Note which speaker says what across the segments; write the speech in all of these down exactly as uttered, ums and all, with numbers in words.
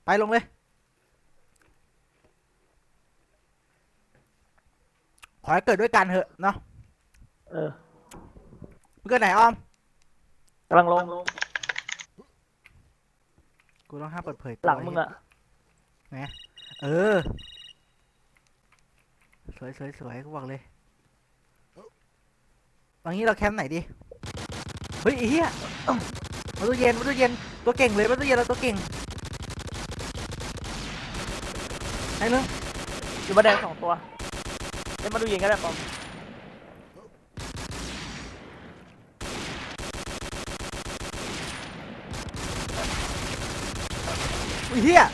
Speaker 1: ไปลงเลยขอให้เกิดด้วยกันเถอะเนาะ
Speaker 2: เออ
Speaker 1: มึงเกิดไหนออม
Speaker 2: กำลังลง
Speaker 1: กูต้องห้ามเปิดเผยตัว
Speaker 2: หลังมึงอะ
Speaker 1: ไงเออสวยสวยสวยกูบอกเลยตอนนี้เราแคมป์ไหนดีเฮ้ยไอ้เหี้ยมาตู้เย็นมาตู้เย็นตัวเก่งเลยมาตู้เย็นเราตัวเก่งไอ้เรื่อง
Speaker 2: อยู่มาแดงสองตัวเล่นมาดูยิงก็ได้ปอม
Speaker 1: อุ้ยเหี้ย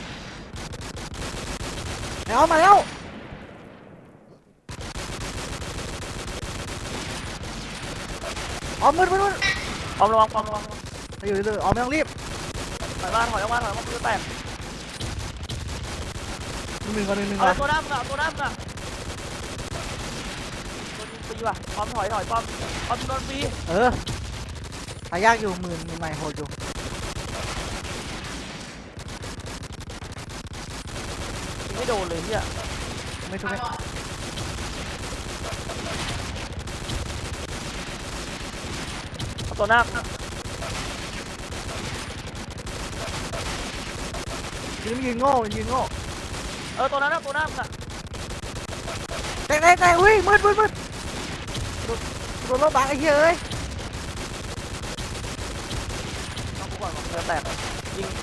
Speaker 1: ไอ้ออมมาแล้วออมมืดมืดมืด
Speaker 2: ปอมระวังปอมระวัง
Speaker 1: ไปอยู่เลยออมไม่ต้องรีบ
Speaker 2: ถอยมาถอยออกมาถอยออกมาปืนแตก
Speaker 1: หนึ่งก่อนหนึ่งหนึ่ง
Speaker 2: เอา
Speaker 1: ก่อน
Speaker 2: ตัวหน้ามึงอะตัวหน้ามึงอะโดนยิงฟรีว่ะปอมถอยถอยปอมปอมโดนฟรี
Speaker 1: เออหายากอยู่หมื่นใหม่โหดอยู่
Speaker 2: ไม่โดนเลยเนี่ย
Speaker 1: ไม่ทุกไม่
Speaker 2: เอาตัวหน้ามึง
Speaker 1: ยืนยืนโง่ยืนโง่
Speaker 2: เออตัวนั้นนะตัวหน้ามึงอะ
Speaker 1: แตกแตกแตกอุ้ยมืดมืดมืดโดนโดนรถบังไอ้เหี้ยเอ้ย
Speaker 2: เอากูก่อนปืนแตกยิง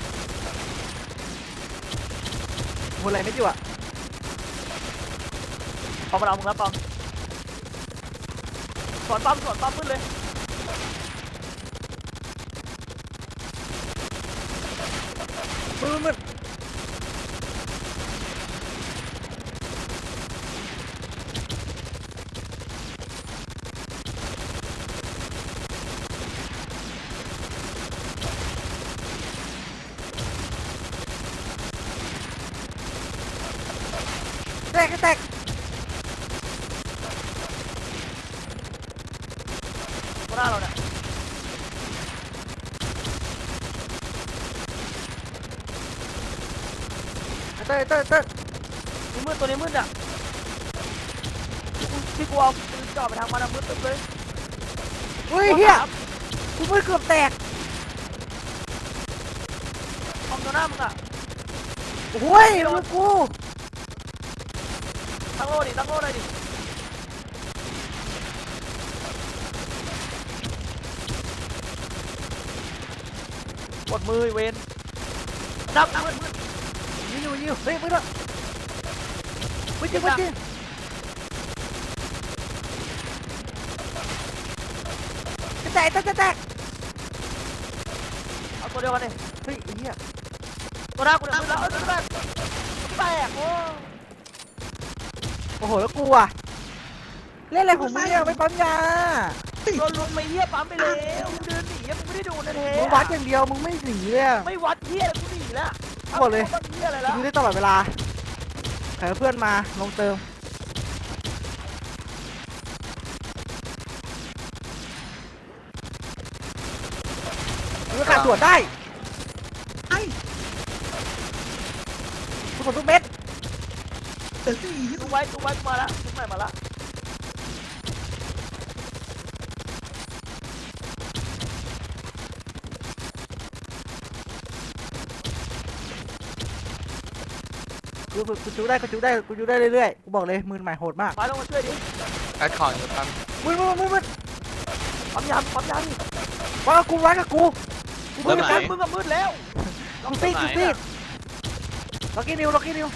Speaker 1: หมดอะไรไม่อยู่อ่ะ
Speaker 2: ปอมมาเอามึงแล้วปอมสวนปอมสวนปอมขึ้นเลย
Speaker 1: มืดมืดแตกแตก
Speaker 2: ตัวหน้าเราเนี่ย
Speaker 1: เต้ยเต้ยเต้ย
Speaker 2: นี่มืดตัวนี้มืดอ่ะที่กูเอาปืนจ่อไปทางมันอะมืดตึ๊บเลย
Speaker 1: อุ้ยเหี้ยกูมืดเกือบแตก
Speaker 2: ปอมตัวหน้ามึงอะ
Speaker 1: โอ้ยมือกู
Speaker 2: ตั้งโล่ดิตั้งโล่หน่อยดิกดมือเวนดับมืดมืด
Speaker 1: ยิงอยู่ยิงอยู่เฮ้ยมืดละมืดจริงมืดจริงจะแตกจะแตกจะแตก
Speaker 2: เอาตัวเดียวกันดิ
Speaker 1: เฮ้ยไอ้เหี้ย
Speaker 2: ตัวหน้ากูเนี่ยมืดแล้วเออตัวแตกแตกโอ้
Speaker 1: โอ้โหแล้วกูอ่ะเล่นอะไรของมึงเนี่ยไม่ปั๊มยา
Speaker 2: โดนลุมไม่เหี้ยปั๊มไปแล้วมึงเดินหนีมึงไม่ได้ดูนะเท
Speaker 1: มึงวัดอย่างเดียวมึงไม่หนีเลยอะ
Speaker 2: ไม่วัดเหี้ยกูหนีแล้ว
Speaker 1: หมดเลย
Speaker 2: วัดเหี้ยอะไรแล้ว
Speaker 1: มึงได้ตลอดเวลาใครเพื่อนมาลงเติมมึงก็ขาดตรวจได้ไอ้ทุกคนทุกเม็ด
Speaker 2: ดูไว้ดูไว้กูมาแล้วทุกใหม่มาแล้ว
Speaker 1: กูกูจูได้กูจูได้กูจูได้เรื่อยๆกูบอกเลยมือใหม่โหดมาก
Speaker 2: มาลงมาช่วยดิ
Speaker 3: แอดของอยู่ครับ
Speaker 1: มึงมึงมึงมึง
Speaker 2: ปั๊มยามปั๊มยามดิ
Speaker 1: ว่ากูวัดกับกูกู
Speaker 2: มึ
Speaker 1: มื
Speaker 2: ง
Speaker 1: ด
Speaker 2: กั
Speaker 1: กัน น
Speaker 2: มึงกับมืดแล้ว
Speaker 1: กูซีดกูซีดล็อกกี้นิวล็อกกี้นิว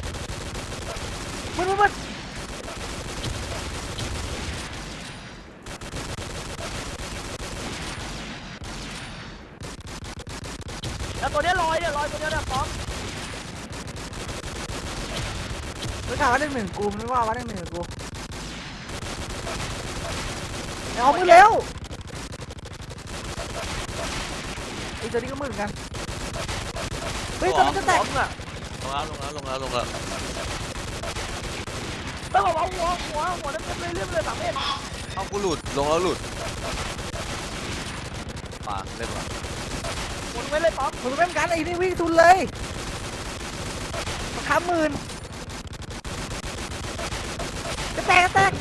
Speaker 1: มึงมึงมึง
Speaker 2: แล้วตัวเนี้ยลอยเนี่ยลอยตัวเนี้ยเนี่ยปั๊ม
Speaker 1: ไม่ถามว่าหนึ่งหนึ่งกูไม่ว่าว่าหนึ่งหนึ่งกูเอามือเร็วไอ้ตัวนี้ก็มือเหมือนกันเฮ้ยตัวนี้จะแตก
Speaker 2: ปั๊มอ่ะ
Speaker 3: ลงแล้วลงแล้วลงแล้วลงแล้ว
Speaker 2: ต้องบอกว่าหัวหัวหัวนั่นเป็นเรื่องเลยสามเมตร
Speaker 3: เอากูหลุดลงแล้วหลุดมาเล่นมา
Speaker 2: หมุนไว้เลยปั๊ม
Speaker 1: มึงเป็นกันไอ้นี่วิ่งทุนเลยค้าหมื่นจะแตกจะแตก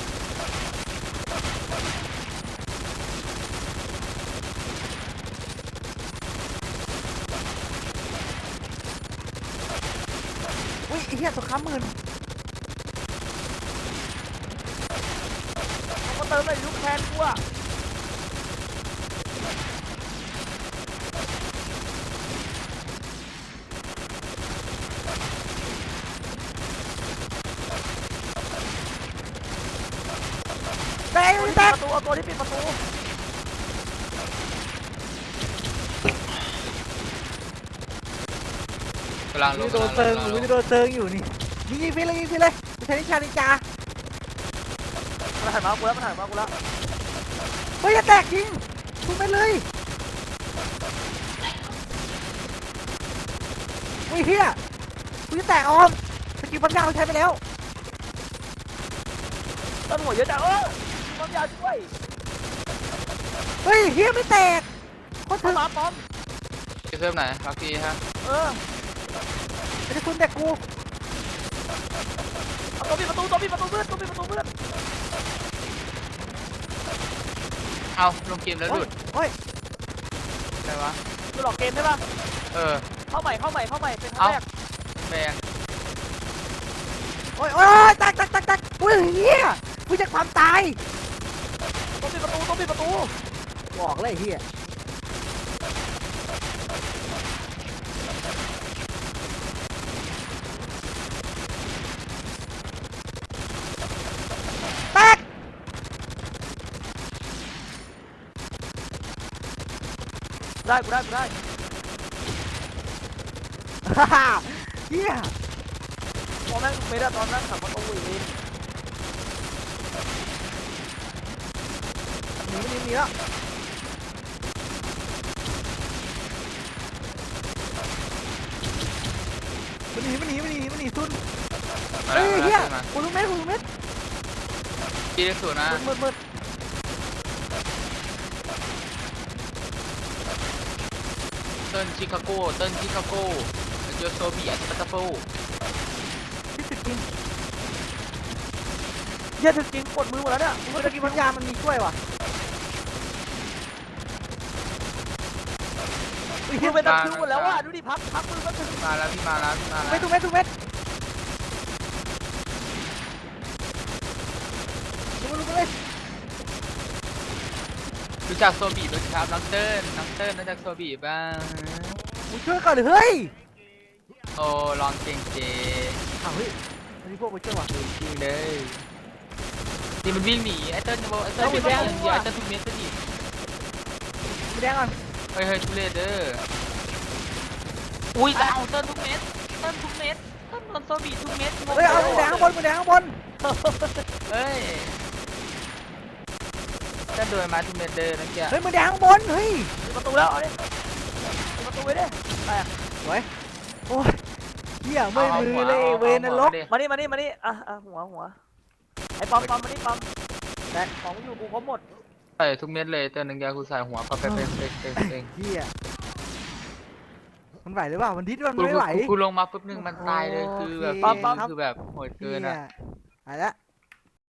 Speaker 1: อุ้ยไอ้เหี้ยตัวค้าหมื่น
Speaker 2: มาเติมเลยลูกแคนกูอะ
Speaker 1: แตก
Speaker 2: ตัวที่
Speaker 1: แต
Speaker 2: ปิด
Speaker 1: ก
Speaker 2: ประตูเอาตัวที่ปิดประตู
Speaker 3: กำลังล
Speaker 1: มี
Speaker 3: ง
Speaker 1: โดนเติงอยู่มีโดนเติงอยู่นี่ยิงยิงไปเลยยิงไปเลยกูใช้นิชานินจา
Speaker 2: มันหันมากูแล้วมันหันมากูแล้ว
Speaker 1: เฮ้ยจะแตกจริงทุบไปเลยเฮ้ยเฮียกูจะแตกออมสกิลปัญญาเราใช้ไปแล้ว
Speaker 2: ต้นหัวเยอะจังเออความยาวช่วย
Speaker 1: เฮ้ยเฮียไม่แตกโคตร
Speaker 2: เข้า
Speaker 1: ถึง
Speaker 2: มาป้อม
Speaker 3: จะเพิ่มไหนพักทีฮะ
Speaker 2: เออ
Speaker 1: ไม่ได้คุณแตกกู
Speaker 2: เอาตัวปิดประตูตัวปิดประตูเพื่อนตัวปิดประตูเพื่อน
Speaker 3: เอาลงเกมแล้วหลุด
Speaker 1: โอ้ย
Speaker 3: อะไรวะ
Speaker 2: คือหลอกเกมใช่ป่ะ
Speaker 3: เออ
Speaker 2: เข้าใหม่เข้าใหม่เข้าใหม่เป็นครั้
Speaker 3: เอา
Speaker 2: งแรก
Speaker 3: แบน
Speaker 1: โอ้ยโอ้ยแตกแตกแตกแตกอุ้ยเฮียกูจะความตาย
Speaker 2: ตัวปิดประตูตัวปิดประตู
Speaker 1: บอกเลยเฮียแตก
Speaker 2: ได้กูได้กูได้
Speaker 1: ฮ่าฮ่าเฮีย
Speaker 2: พอแม่งไม่ได้ตอนนั้นขับประตูอีกที
Speaker 1: หนีมันหนีหนีแล้วมันหนีมันหนีมันหนีมันหนีทุน
Speaker 3: มา
Speaker 1: เฮ้
Speaker 3: แล้ว
Speaker 1: ย
Speaker 3: มา
Speaker 1: เฮีย
Speaker 3: แล้วมา
Speaker 1: กูรู้เม็ดกูรู้เม็ด
Speaker 3: ปีเลขศูนย์นะ
Speaker 2: มืดมืด
Speaker 3: เติ้ลชิคาโกเติ้ลชิคาโกโยโซบีอัตตาโฟ
Speaker 1: ที่ติดกิน
Speaker 2: เหี้ยถึงจริงปวดมือหมดแล้วเนี่ย
Speaker 1: เมื่อกี้พันยามันมีช่วยว่ะอุ้ย
Speaker 2: มือเป็นตะคริวหมดแล้วอ่ะดูดิพักพักมือก็ถึง
Speaker 3: มาแล้วพี่มาแล้วพี่มาแล้
Speaker 1: เม็ด
Speaker 3: ว
Speaker 1: ทุกเม็ดทุกเม็ดดูดูเลย
Speaker 3: รู้จักโซบีไหมครับน้องเติ้ลน้องเติ้ลรู้จักโซบีบ้าง
Speaker 1: กูช่วยก่อนเลยเฮ้ย
Speaker 3: โอ้ลองเก่งเจ
Speaker 1: อ้าวเฮ้ยมันมีพวกกูช่วยว่ะ
Speaker 3: จริงเลยนี่มันวิ่งหนีไอ้เติ้ลจะบอกไอ้เติ้ลเป็นแย่งเดียวไอ้เติ้ลทุกเม็ดก็ดิ
Speaker 1: ไม่แดงก่อน
Speaker 3: เฮ้ยเฮ้ยทุเรศเด้ออุ้ยแต่เอาเติ้ลทุกเม็ดเติ้ลทุกเม็ดเติ้ลโดนโซบีทุกเม็ดงง
Speaker 1: เฮ้ยเอามือแดงข้างบนมือแดงข้างบน
Speaker 3: เฮ้ยเติ้ลโดนมาทุกเม็ดเด้อนั่นแก
Speaker 1: เฮ้ยมือแดงข้างบนเฮ้ย
Speaker 2: ปิดประตูแล้วเอาดิปิดประตูไว้ดิไปอ่ะ
Speaker 1: โอ้ยเหี้ยเมื่อยมือเลยเวนนรก
Speaker 2: มานี่มานี่มานี่อ่ะอ่ะหัวหัวไอ้ปั๊มปั๊มมานี่ปั๊มแต่ของอยู่กูครบหมด
Speaker 3: ใส่ทุกเม็ดเลยเติ้ลหนึ่งยากูใส่หัวปั๊บเป๊ะเป๊ะเป๊ะเป๊ะเป๊ะ
Speaker 1: เหี้ยมันไหวหรือเปล่ามันดิ้นมัน
Speaker 3: กู
Speaker 1: ไม่ไหว
Speaker 3: กูลงมาปุ๊บนึงมันตายเลยคือแบบ
Speaker 1: โอเค
Speaker 3: คือแบบโหดเกินอ่ะ
Speaker 1: หายละ